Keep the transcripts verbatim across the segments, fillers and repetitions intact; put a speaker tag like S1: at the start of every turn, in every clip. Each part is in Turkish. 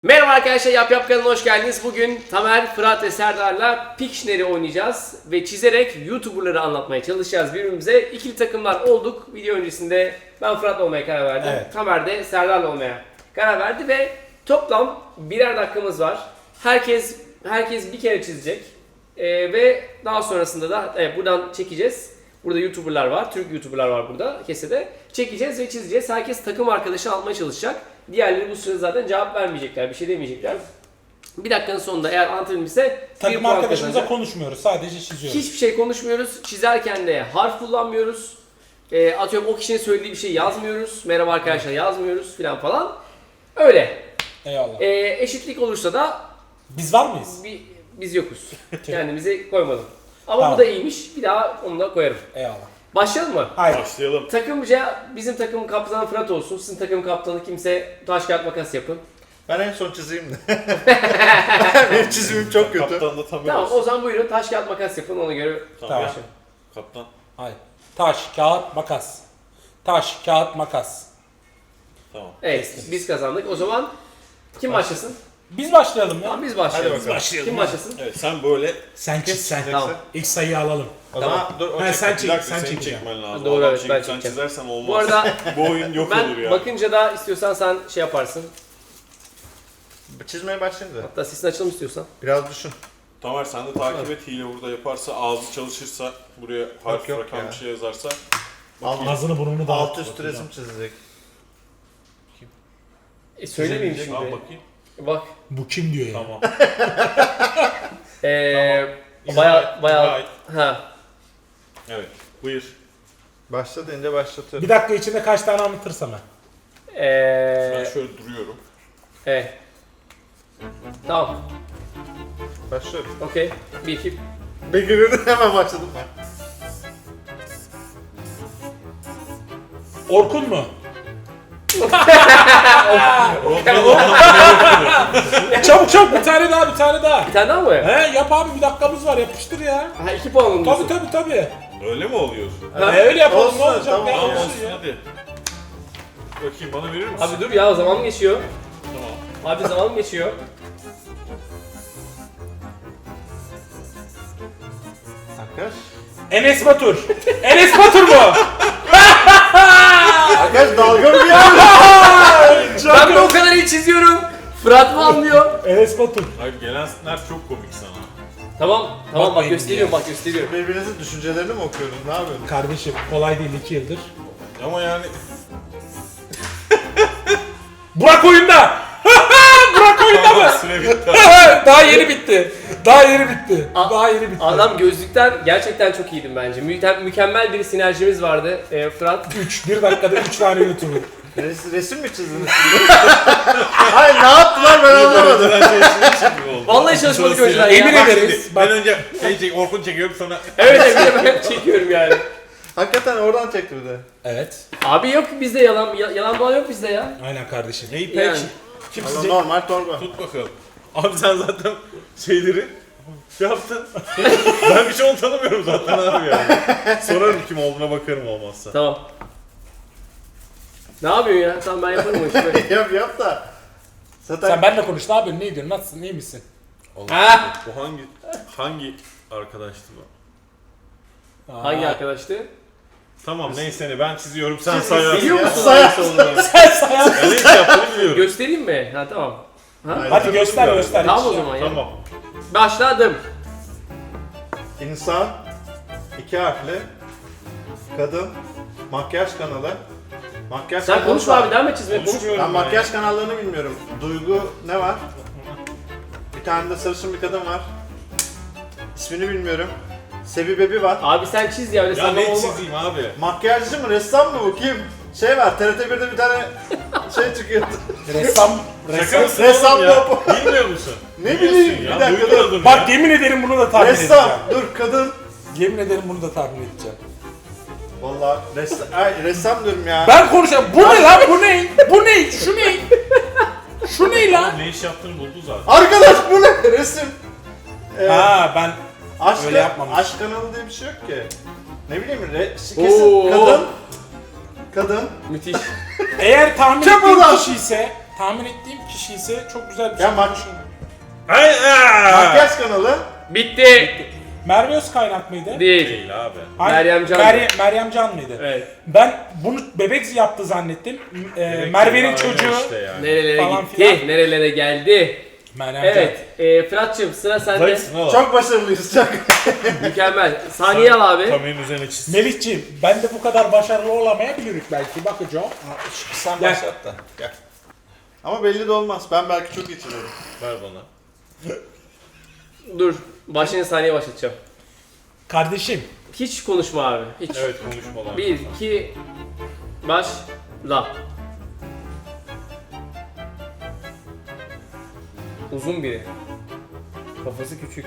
S1: Merhaba arkadaşlar, Yap Yap kanalına hoş geldiniz. Bugün Tamer, Fırat ve Serdar'la Pictionary oynayacağız ve çizerek YouTuber'ları anlatmaya çalışacağız birbirimize. İkili takımlar olduk. Video öncesinde ben Fırat'la olmaya karar verdim.
S2: Evet.
S1: Tamer de Serdar'la olmaya karar verdi ve toplam birer dakikamız var. Herkes herkes bir kere çizecek ee, ve daha sonrasında da evet, buradan çekeceğiz. Burada YouTuber'lar var, Türk YouTuber'lar var burada kesede. Çekeceğiz ve çizeceğiz. Herkes takım arkadaşı almaya çalışacak. Diğerleri bu sırada zaten cevap vermeyecekler, bir şey demeyecekler. Bir dakikanın sonunda eğer anlatabilmişse
S2: Takım arkadaşımıza konuşmuyoruz, sadece çiziyoruz.
S1: Hiçbir şey konuşmuyoruz. Çizerken de harf kullanmıyoruz. E, atıyorum o kişinin söylediği bir şey yazmıyoruz. Merhaba arkadaşlar yazmıyoruz filan falan. Öyle.
S2: Eyvallah.
S1: E, eşitlik olursa da
S2: Biz var mıyız?
S1: bi, biz yokuz. Kendimizi koymadım. Ama
S2: Tamam.
S1: bu da iyiymiş. Bir daha onu da koyarım.
S2: Eyvallah.
S1: Başlayalım mı?
S2: Hayır.
S3: Başlayalım.
S1: Takımca bizim takım kaptanı Fırat olsun. Sizin takım kaptanı kimse taş kağıt makas yapın.
S4: Ben en son çizeyim de. Benim çizimim çok kötü.
S3: Kaptan da Tamer
S1: Tamam
S3: olsun.
S1: o zaman buyurun taş kağıt makas yapın ona göre.
S2: Tamam.
S1: başlayalım.
S3: Kaptan.
S2: Hayır. Taş, kağıt, makas. Taş, kağıt, makas.
S3: Tamam.
S1: Evet biz kazandık. O zaman kim başlasın?
S2: Biz başlayalım ya.
S1: Tamam biz başlayalım.
S4: Hadi bakalım.
S2: Başlayalım.
S1: Kim başlasın?
S3: Evet sen böyle...
S2: Sen çiz sen.
S1: Tamam.
S2: İlk sayıyı alalım.
S4: O
S1: Tamam.
S4: zaman dur o
S2: Ha,
S4: çek.
S2: sen
S3: Bir
S2: çek,
S3: dakika
S2: sen
S3: seni
S2: çekeceksin.
S3: çekmen lazım.
S1: Doğru,
S3: Adam
S1: evet,
S3: çekip
S1: ben
S3: sen
S1: çekeceğim.
S3: çizersen olmaz.
S1: Bu arada
S3: Bu oyun yok olur
S1: ben
S3: ya.
S1: bakınca da istiyorsan sen şey yaparsın.
S4: Çizmeye başlayayım da.
S1: Hatta sesin açalım istiyorsan.
S4: Biraz düşün.
S3: Tamer sen de takip et, hile burada yaparsa, ağzı çalışırsa, buraya harf,
S4: yok
S3: rakam
S4: ya.
S3: bir şey yazarsa.
S4: Alt,
S2: Ağzını burnunu da
S4: alt üst resim çizecek.
S1: E söylemeyeyim
S3: Al
S1: şimdi.
S3: bakayım.
S1: Bak.
S2: Bu kim diyor ya?
S3: Tamam.
S1: Eee
S3: Tamam.
S1: baya
S3: İzah et,
S1: baya
S3: izah et.
S1: ha.
S3: Evet. Buyur.
S4: Başla deyince başlatıyorum.
S2: Bir dakika içinde kaç tane anlatırsam ben.
S3: Ben
S1: Eee
S3: şöyle duruyorum.
S1: evet. Tamam.
S4: Başlıyorum.
S1: Okey. Bir iki.
S4: Begir'in hemen başladım ben.
S2: Orkun mu? Çabuk çabuk bir tane daha bir tane daha.
S1: Bir tane daha mı?
S2: He yap abi bir dakikamız var yapıştır ya.
S1: Ha iki puan mı
S2: Tabii
S1: diyorsun?
S2: tabii tabii.
S3: Öyle mi oluyor?
S1: Ha.
S2: E, öyle yapalım
S4: Olsun,
S2: ne olacak
S4: tamam,
S2: ne
S3: Tamam
S2: olsun
S3: olsun
S2: ya.
S3: hadi. Bakayım bana verir misin?
S1: Abi dur ya zaman geçiyor.
S3: Tamam.
S1: Abi zaman geçiyor.
S4: Arkadaş.
S2: Enes Batur. Enes Batur mu?
S4: Arkadaş dalga mı geçiyor?
S1: Ben de o kadar iyi çiziyorum. Fırat mı anlıyor?
S2: Enes Batur.
S3: Hayır gelenler çok komik sana.
S1: Tamam, tamam bak
S2: Bakmayın
S1: gösteriyorum
S2: ya.
S1: bak gösteriyorum.
S4: Birbirinizin düşüncelerini mi okuyorsunuz? Ne yapıyorsunuz?
S2: Kardeşim kolay değil iki yıldır.
S3: Ama yani...
S2: Burak oyunda. Burak oyunda mı?
S3: Süre bitti.
S2: Daha yeni bitti. Daha yeni bitti.
S1: A-
S2: Daha yeni bitti.
S1: Adam gözlükten gerçekten çok iyiydim bence. Mü- mükemmel bir sinerjimiz vardı e, Fırat.
S2: üç. bir dakikada üç tane YouTuber.
S4: Res, resim mi çizdiniz? Hayır ne yaptılar ben anlamadım.
S1: Vallahi çalışmadık
S3: Sırası
S1: önceden
S3: ya.
S1: ya.
S2: Emin
S1: Bak-
S2: ederiz.
S3: Ben önce şey çek, Orkun çekiyorum sonra...
S1: Evet evet bir de ben çekiyorum yani.
S4: Hakikaten oradan çekti bir de.
S2: Evet.
S1: Abi yok bizde yalan ya- yalan dolan yok bizde ya.
S2: Aynen kardeşim.
S3: Neyi peki?
S1: Yani.
S3: Kim
S4: Ama
S3: çizecek?
S4: normal torba.
S3: Tut bakalım. Abi sen zaten şeyleri şey yaptın. Ben bir şey onu tanımıyorum zaten abi yani. Sorarım kim olduğuna bakarım olmazsa.
S1: Tamam. Ne yapıyorsun ya? Tamam ben yaparım o işi. böyle.
S4: yap yap da. Zaten
S2: Sen benimle konuş ne yapıyorsun? Ne ediyorsun? Nasılsın? İyi misin?
S1: Ha?
S3: Bu hangi hangi arkadaştı bu?
S2: Aa.
S1: Hangi arkadaştı?
S3: Tamam neyse ne ben çiziyorum sen
S4: Çiz-
S3: sayarsın.
S1: Biliyor
S4: Ya,
S1: musun
S4: say-
S1: hangisi olduğunu?
S2: Sen sayar.
S3: Ben ne iş yaptığını biliyorum.
S1: Göstereyim mi? Ha tamam. Ha?
S4: Hayır.
S2: Hadi göster
S3: Tamam.
S2: göster.
S1: Tamam o zaman ya.
S3: Tamam.
S1: Başladım.
S4: İnsan, iki harfli, kadın, makyaj kanalı, makyaj
S1: Sen
S4: kanalı
S1: konuşma
S4: var.
S1: abi devam et çizmeye. Konuş.
S3: Konuşmuyorum
S4: Ben
S3: ben
S4: makyaj
S3: ya.
S4: kanallarını bilmiyorum. Duygu ne var? Bir tane de sarışın bir kadın var. İsmini bilmiyorum. Sevi Bebi var.
S1: Abi sen çiz ya öyle
S3: Ya
S1: sallama
S3: ne
S1: olma.
S3: çizeyim abi?
S4: Makyajcı mı, ressam mı bu? Kim? Şey var, T R T birde bir tane şey çıkıyordu.
S2: Ressam.
S3: Şaka
S2: Ressam.
S3: mısın
S4: Ressam
S3: oğlum ya?
S4: yok.
S3: Bilmiyor musun?
S4: Ne
S3: Biliyorsun
S4: bileyim,
S3: ya,
S4: bir dakika dur.
S3: duydun adını
S2: Bak
S3: ya.
S2: yemin ederim bunu da tahmin
S4: Ressam,
S2: edeceğim.
S4: dur kadın.
S2: Yemin ederim bunu da tahmin edeceğim.
S4: Vallahi ressam, ay, ressam diyorum ya.
S2: Ben konuşacağım. Bu ne lan? Bu ne? Bu ne? Şu ne? Şu ne lan?
S3: Ne iş yaptığını buldu zaten.
S4: Arkadaş bu ne? Resim. Ee,
S2: Ha ben
S4: aşk,
S2: öyle yapmamış.
S4: aşk kanalı diye bir şey yok ki. Ne bileyim, re, kesin
S1: Oo.
S4: kadın. Kadın.
S1: Müthiş.
S2: eğer tahmin
S4: Çabuk
S2: ettiğim
S4: lan.
S2: kişi ise tahmin ettiğim kişi ise çok güzel bir
S4: Ya
S2: şey.
S4: bak-
S3: Ay, aa!
S4: Makyaj kanalı.
S1: Bitti.
S2: Merve Özkaynak mıydı?
S1: Değil.
S3: Değil abi.
S2: Hayır,
S1: Meryem Can.
S2: Meryem, Meryem Can mıydı?
S1: Evet.
S2: Ben bunu bebek yaptı zannettim. Ee,
S3: Bebek
S2: Merve'nin
S3: değil,
S2: çocuğu.
S3: aynen işte yani.
S1: Nerelere
S2: Falan
S1: gitti,
S2: filan.
S1: nerelere geldi.
S2: Meryem
S1: Evet, e, Fırat'cığım sıra sende.
S3: Zayıfsın oğlum.
S4: Çok başarılıyız çok.
S1: Mükemmel. Saniye al abi.
S3: Kameranın üzerine çiz.
S2: Can. Melihciğim ben de bu kadar başarılı olamayabiliriz belki bakacağım.
S4: Sen
S2: Gel.
S4: başlat da. Gel. Ama belli de olmaz. Ben belki çok geçiriyorum.
S3: Ver bana.
S1: Dur, başını saniye başlatacağım.
S2: Kardeşim
S1: Hiç konuşma abi, hiç.
S3: Evet konuşmalar.
S1: Bir, iki, başla. Uzun biri. Kafası küçük.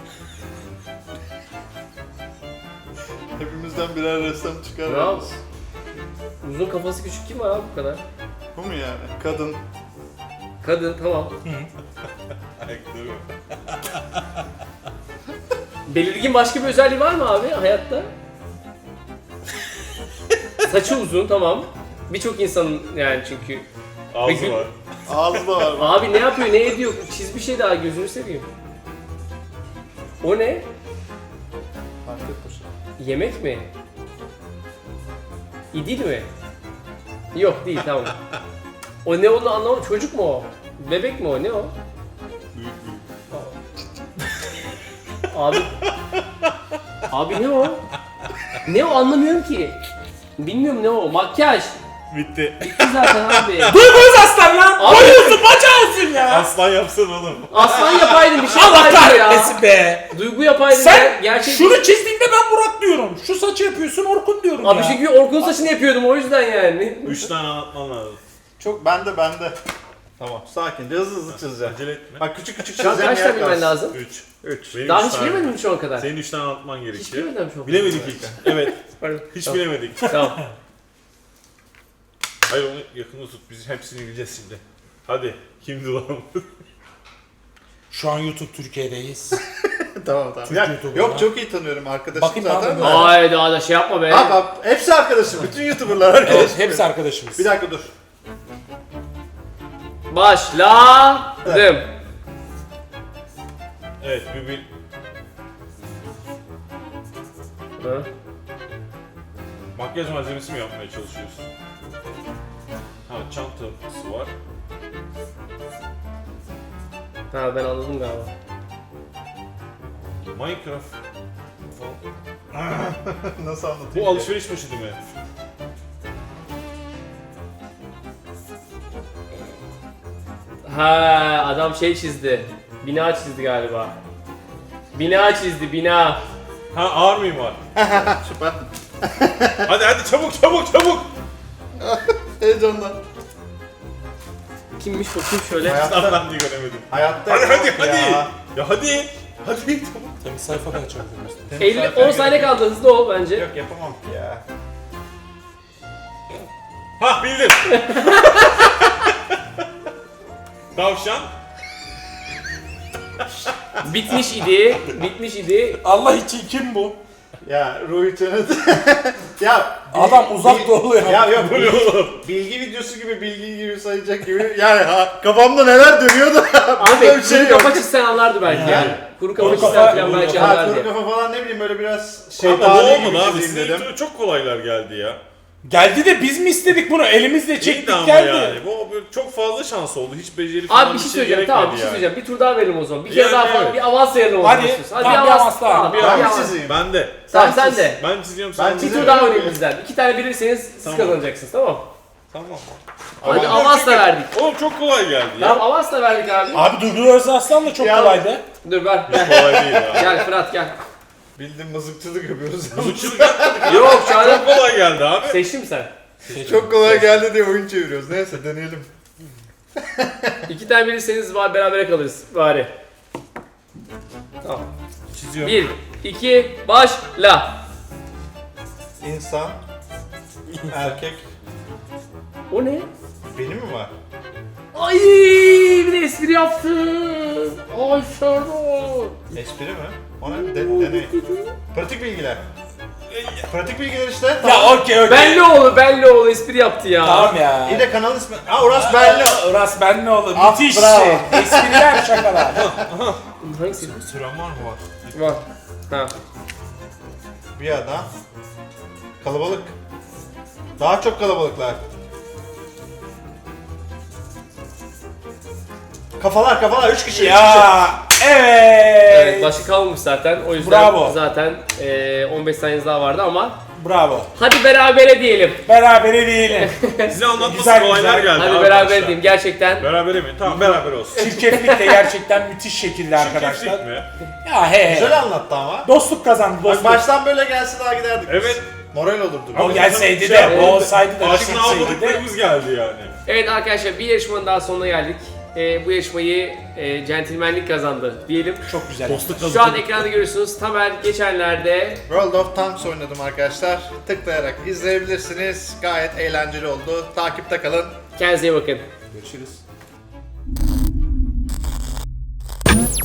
S4: Hepimizden birer ressam çıkar.
S1: Bravo.
S4: yalnız.
S1: Uzun kafası küçük kim var abi bu kadar?
S4: Bu mu yani? Kadın.
S1: Kadın tamam.
S3: Ayakları.
S1: Belirgin başka bir özelliği var mı abi hayatta? Saçı uzun tamam. Birçok insanın yani çünkü.
S3: Ağzı
S1: Peki-
S3: var.
S4: Ağzı da var. bak.
S1: Abi ne yapıyor ne ediyor? Çiz bir şey daha gözünü seveyim. O ne?
S4: Fark etmiş.
S1: Yemek mi? İdil mi? Yok değil tamam. O ne olduğunu anlamadım. Çocuk mu o? Bebek mi o? Ne o? Abi. Abi ne o? Ne o anlamıyorum ki. Bilmiyorum ne o. Makyaj.
S3: Bitti.
S1: Bitti zaten abi.
S2: Duyguz aslan lan!
S1: Abi-
S2: Boyuyorsun bacağısın ya!
S3: Aslan yapsana oğlum.
S1: Aslan yapaydın bir şey
S2: Allah
S1: yapaydın ya.
S2: kahretmesin be!
S1: Duygu yapaydın
S2: Sen
S1: ya. Gerçek
S2: şunu çizdiğinde ben Burak diyorum. Şu saçı yapıyorsun Orkun diyorum
S1: Abi
S2: ya.
S1: çünkü Orkun saçını yapıyordum o yüzden yani.
S3: Üç tane anlatman lazım.
S4: Çok bende bende. Tamam. Sakince hızlı hızlı çizeceğim.
S3: Acele etme.
S4: Bak küçük küçük
S1: Şu an
S4: çizeceğim.
S1: kaç tane bilmen lazım?
S3: Üç.
S4: Üç.
S3: Benim
S1: Daha
S3: üç
S1: hiç
S3: tane.
S1: bilemedin mi şu ana kadar?
S3: Senin üç tane anlatman
S1: Hiç
S3: gerekiyor.
S1: bilemedim şu an.
S3: Bilemedik hiç. Evet.
S1: Pardon.
S3: Hiç
S1: Tamam.
S3: bilemedik.
S1: Tamam.
S3: Hayır onu yakında tut. Biz hepsini bileceğiz şimdi. Hadi. Kimdi lan?
S2: Şu an YouTube Türkiye'deyiz.
S4: Tamam tamam.
S2: Türk
S4: Ya,
S2: YouTuber'ı
S4: yok
S2: ya.
S4: çok iyi tanıyorum arkadaşım
S2: Bakayım
S4: zaten.
S2: abi.
S4: de.
S1: Ay daha da şey yapma be.
S4: Abi, abi hepsi arkadaşım. Bütün YouTuber'lar arkadaşım.
S2: Evet, hepsi arkadaşımız.
S4: Bir dakika dur.
S1: Başladım.
S3: Evet bir bir.
S1: Hı?
S3: Makyaj malzemesi mi yapmaya çalışıyorsun? Ha çantası var.
S1: Ha ben anladım galiba.
S3: Minecraft.
S4: Nasıl anlatayım?
S3: Bu
S4: ki?
S3: alışveriş poşeti mi?
S1: Ha adam şey çizdi. Bina çizdi galiba. Bina çizdi bina.
S3: Ha ağır mimar.
S4: Süper.
S3: Hadi hadi çabuk çabuk çabuk.
S4: Heyecandan.
S1: Kimmiş bakayım şöyle.
S4: Hayatta,
S3: Ben de göremedim.
S4: hayatta
S3: Hadi hadi
S4: yok
S3: hadi.
S4: ya.
S3: Ya hadi. Hadi çabuk.
S2: Tabii sayfada açabiliriz.
S1: elli on saniye kaldı hızlı ol bence.
S4: Yok yapamam ki ya.
S3: Ha bildim. Tavşan.
S1: Bitmiş idi. Bitmiş idi.
S2: Allah için kim bu?
S4: Ya Ruhi Çenet. ya bil-
S2: Adam uzak
S4: bil-
S2: doğulu ya.
S4: Ya yok
S3: Bu ne
S4: bilgi,
S3: oğlum?
S4: bilgi videosu gibi bilgi gibi sayacak gibi. Yani ha, kafamda neler dönüyor da
S1: Abi
S4: burada bir
S1: kuru
S4: şey yok.
S1: kafa çizsen anlardı belki yani. Kuru kafa
S2: Kuru
S1: çizsen
S2: kafa-
S1: falan belki
S4: Ha
S1: anlardı.
S4: kuru kafa falan ne bileyim böyle biraz
S3: Ama
S4: şeytani
S3: bu
S4: gibi
S3: olmadı abi.
S4: çizeyim
S3: Sizin
S4: dedim.
S3: çok kolaylar geldi ya.
S2: Geldi de biz mi istedik bunu? Elimizle çektik
S3: Çekti ama
S2: geldi.
S3: yani. Bu böyle çok fazla şans oldu. Hiç beceri falan
S1: Abi bir şey söyleyeceğim
S3: gerekmedi
S1: tamam bir şey
S3: yani.
S1: söyleyeceğim. Bir tur daha verelim o zaman. Bir kere
S3: Yani
S1: daha falan
S3: evet.
S1: bir avans verelim o zaman.
S2: Hadi.
S1: istiyorsan. Hadi
S2: Tamam,
S1: bir
S2: bir
S1: avans
S2: avans daha.
S1: Tamam,
S3: Bir
S1: bir
S4: Ben
S3: avans.
S4: mi
S1: avans.
S4: çizeyim?
S3: Ben de.
S1: Tamam
S4: Sen
S1: sen
S4: çiz.
S1: de.
S3: Ben çiziyorum
S4: Ben
S3: sen
S1: Bir
S4: çiziyorum.
S1: tur daha oynayın bizden. İki tane bilirseniz siz
S3: Tamam.
S1: kazanacaksınız tamam.
S3: Tamam.
S1: Hadi
S3: Ama
S1: avans da
S3: çünkü-
S1: verdik.
S3: Oğlum çok kolay geldi ya.
S1: Tamam avans da verdik abi.
S2: Abi Duygu Özaslan da çok
S4: Ya-
S2: kolaydı.
S1: Dur ver.
S3: Hiç kolay değil ya.
S1: Gel Fırat gel.
S4: Bildim mızıkçılık yapıyoruz.
S3: Mızıkçılık yapmadık.
S1: Yok şu
S3: Çok
S1: an
S3: kolay geldi abi.
S1: seçtin mi sen?
S4: Çok kolay geldi diye oyun çeviriyoruz. Neyse deneyelim.
S1: İki tane bilirseniz var berabere kalırız bari. Tamam.
S3: Çiziyorum.
S1: Bir, iki, başla.
S4: İnsan, erkek,
S1: O ne?
S4: benim mi var?
S1: Ay bir de espri yaptın. Ay Serdar.
S4: Espri mi? O ne? De- deney. Pratik bilgiler. Pratik bilgiler işte.
S2: Ya
S4: Tamam.
S2: okey okey.
S1: Bellioğlu, Bellioğlu espri yaptı ya.
S2: Tamam ya.
S4: İyi de kanal ismi. Aa Uras Belli.
S2: Uras Benlioğlu.
S4: Ah,
S2: Müthiş
S4: bravo.
S2: şey. Espriler şakalar.
S1: Hangisi?
S3: Süren var mı var?
S1: Var. Ha.
S4: Bir ada. Kalabalık. Daha çok kalabalıklar. Kafalar kafalar üç kişi. üç kişi.
S2: Ya evet.
S1: Evet, başka kalmamış zaten. O yüzden
S2: Bravo.
S1: zaten e, on beş saniyeniz daha vardı ama
S2: Bravo.
S1: hadi berabere diyelim.
S2: Berabere diyelim.
S3: Size anlatması
S2: Güzel,
S3: olaylar
S2: güzel.
S3: geldi
S1: Hadi
S3: abi
S1: beraber
S3: başta.
S1: diyeyim gerçekten.
S3: Berabere mi? Tamam beraber olsun.
S2: Çirkeflik de gerçekten müthiş şekilde arkadaşlar.
S3: Çirkeflik mi?
S2: Ya he
S4: Güzel
S2: he.
S4: anlattı ama.
S2: Dostluk kazandı
S4: Bak
S2: dostluk.
S4: baştan böyle gelse daha giderdik. biz.
S3: Evet.
S4: Moral olurdu.
S2: O gelseydi
S3: Şey,
S2: de, o olsaydı da,
S3: Aşina
S2: çıksaydı de.
S3: olmadıklarımız geldi yani.
S1: Evet arkadaşlar bir yarışmanın daha sonuna geldik. E, bu yarışmayı e, centilmenlik kazandı diyelim.
S2: Çok güzel.
S3: Dostluk
S1: Şu an ekranda görüyorsunuz. Tamer geçenlerde
S4: World of Tanks oynadım arkadaşlar. Tıklayarak izleyebilirsiniz. Gayet eğlenceli oldu. Takipte kalın.
S1: kendinize iyi bakın.
S2: Görüşürüz.